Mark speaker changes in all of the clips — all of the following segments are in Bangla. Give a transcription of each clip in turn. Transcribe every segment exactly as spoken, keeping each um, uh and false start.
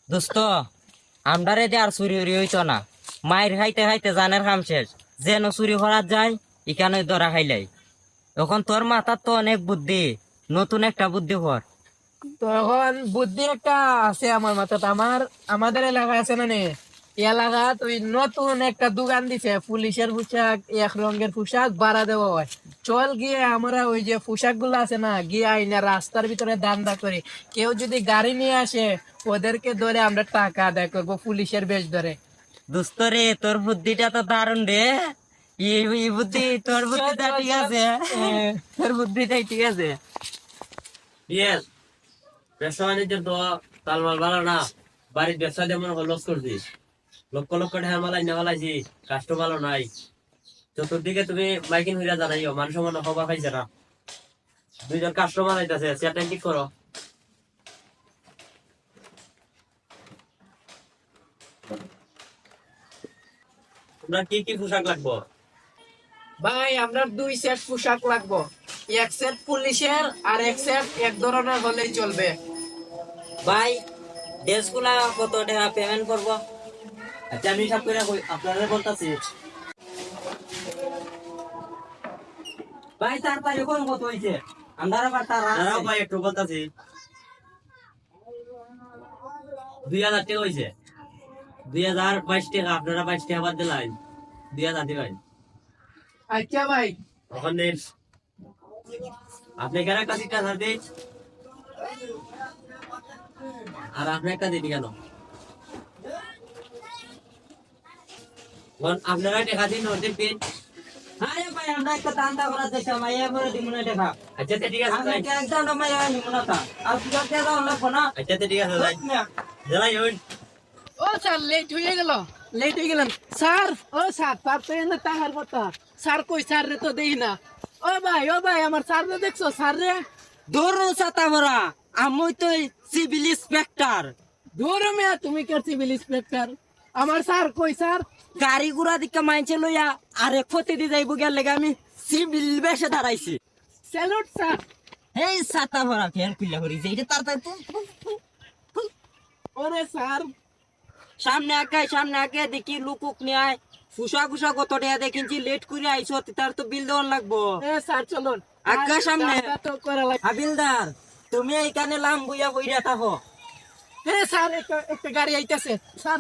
Speaker 1: দোস্ত আমদারে দিয়ে আর চুরি উরি হইতো না, মায়ের খাইতে খাইতে জানের কাম শেষ, যেন চুরি করার যায় এখানে ধরা খাইলাই। এখন তোর মাথার তো অনেক বুদ্ধি, নতুন একটা বুদ্ধি কর।
Speaker 2: তো এখন বুদ্ধি একটা আছে আমার মাথায়। আমার আমাদের এলাকায় আছে না নে, এলাকাত ওই নতুন একটা দোকান দিছে, পুলিশের পোশাক, এক রঙের পোশাক ভাড়া দেওয়া হয়। চল গিয়ে আমরা ওই যে পোশাক গুলো আছে না, গিয়ে আইনা রাস্তার ভিতরে দান্দা করি। কেউ যদি গাড়ি নিয়ে আসে ওদেরকে ধরে আমরা টাকা আদায় করবো পুলিশের বেশ ধরে।
Speaker 1: দোস্ত রে, তোর বুদ্ধিটা তো দারুণ রে। এই এই বুদ্ধি, তোর বুদ্ধিটা ঠিক আছে, তোর বুদ্ধিটাই ঠিক আছে।
Speaker 3: ইয়েস, ব্যবসা বাণিজ্যের তো তালমাল ভালো না। বাড়ির ব্যবসা যেমন লস করছিস, লক্ষ লক্ষ টাকা মালাই না মালাইছি, কাস্টমার ভালো নাই। চতুর্দিকে তুমি মাইকিং হইয়া জানাইও, মানুষ মনে খবর পাইছে না। দুইজন কাস্টমার আইতাছে, সেটা ঠিক করো। তোমরা কি কি পোশাক লাগবো?
Speaker 2: ভাই আমরা দুই সেট পোশাক লাগবো, এক সেট পুলিশের আর এক সেট এক ধরনের হলেই চলবে।
Speaker 1: ভাই ড্রেসগুলা কত টাকা পেমেন্ট করবো?
Speaker 3: আচ্ছা আমি হিসাব করে কই- আপনাদের বলতাছি।
Speaker 1: ভাই তারপরে কোন কত হয়েছে? আমরা আবার তার
Speaker 3: দাঁড়াও ভাই একটু বলতাছি। দুই হাজার টাকা হয়েছে, দুই হাজার বাইশ টাকা। আপনারা বাইশ টাকা বাদ দিলেন, দুই হাজার দিবেন।
Speaker 2: আচ্ছা ভাই,
Speaker 3: ওখানে আপনি কেন একটা দিতে হাজার দিন, আর আপনি একটা দিবি কেন? এখন আপনারা টাকা দিন, ওদের দিন।
Speaker 1: আরে ভাই আমরা একটা দান্দা করার চেষ্টা, মাইয়া করে দিব না টাকা।
Speaker 3: আচ্ছা তো ঠিক আছে
Speaker 1: আমি
Speaker 3: যাই।
Speaker 1: একটা একদম মাইয়া নিব না তা। আর কি করতে দাও লাগবো না?
Speaker 3: আচ্ছা তো ঠিক আছে যাই। যাই হইন।
Speaker 2: ও স্যার লেট হয়ে গেল, লেট হয়ে গেলেন স্যার। ও স্যার, স্যার তো এনে টাকার কথা। স্যার কই, স্যার রে তো দেই না। ও ভাই, ও ভাই, আমার স্যার রে দেখছো? স্যার রে
Speaker 1: দৌড়ো ছাতা ভরা, আমি তো সিভিল ইন্সপেক্টর।
Speaker 2: ধরো মেয়া, তুমি কে সিভিল ইন্সপেক্টর? আমার স্যার কই স্যার?
Speaker 1: গাড়ি ঘোড়া দিকে মাইনছে লইয়া আরে ক্ষতি দি যাইব গেলে আমি সিভিল বেশে দাঁড়াইছি।
Speaker 2: Salute sir.
Speaker 1: এই ছাতা ভরা ফের পিলা করি যে এটা তাড়াতাড়ি তুল, তুল, তুল, তুল।
Speaker 2: ওরে স্যার,
Speaker 1: সামনে আঁকায় সামনে আঁকে দেখি লুকুক নিয়ে ফুসা ফুসা কত টাকা দেখিনছি, লেট করে আইসো তার তো বিল দেওয়ার লাগবো।
Speaker 2: এ স্যার চলুন।
Speaker 1: আজ্ঞা সামনে।
Speaker 2: কাজটা তো করা লাগবে।
Speaker 1: হাবিলদার তুমি এইখানে লাম বইয়া বইরা থাকো।
Speaker 2: এ স্যার, একটা একটা গাড়ি আইতাছে স্যার।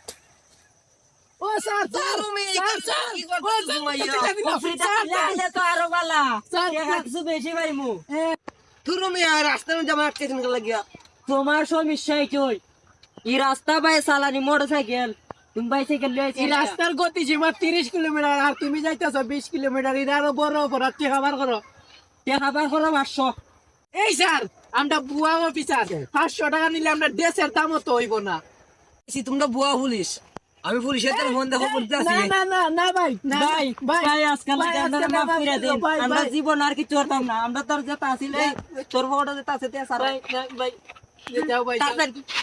Speaker 2: ও স্যার, স্যার, স্যার, স্যার, ও স্যার, টাকা দিলাম। স্যার, স্যার,
Speaker 1: তো আরো বালা
Speaker 2: স্যার,
Speaker 1: টাকা কিছু বেশি পাইমু।
Speaker 2: এ,
Speaker 1: তুমি আর রাস্তার মধ্যে আমার আটকে দিন লাগিয়া তোমার সমস্যা কি? এই রাস্তা বাই চালানি মোটর সাইকেল, তুমি বাইসাইকেল
Speaker 2: এই
Speaker 1: লইছি
Speaker 2: রাস্তার গতি সীমা তিরিশ কিলোমিটার, আর তুমি যাইতেছো বিশ কিলোমিটার। এটা আরো বড় অপরাধ, কি খাবার করো?
Speaker 1: খাবার করো পাঁচশো।
Speaker 2: এই স্যার, আমরা বুয়া অফিসার, পাঁচশো টাকা নিলে আমরা দেশের দামও তো হইব না।
Speaker 1: তোমরা বুয়া পুলিশ, আমি পুলিশের জন্য ফোন দেখো
Speaker 2: না না না না ভাই, না,
Speaker 1: ভাই
Speaker 2: ভাই,
Speaker 1: ভাই আজকাল
Speaker 2: ভাই,
Speaker 1: আমরা
Speaker 2: আজকে
Speaker 1: মাফ
Speaker 2: মাফ
Speaker 1: করে
Speaker 2: করে
Speaker 1: দিন,
Speaker 2: দাও, ভাই,
Speaker 1: আমরা
Speaker 2: ভাই।
Speaker 1: জীবন আর কিছু করতাম না। আমরা তোর যেটা আসিলে তোর বড়টা যেটা আছে তে সারা
Speaker 2: ভাই, না, ভাই, যাও ভাই, যাও।
Speaker 1: তাড়াতাড়ি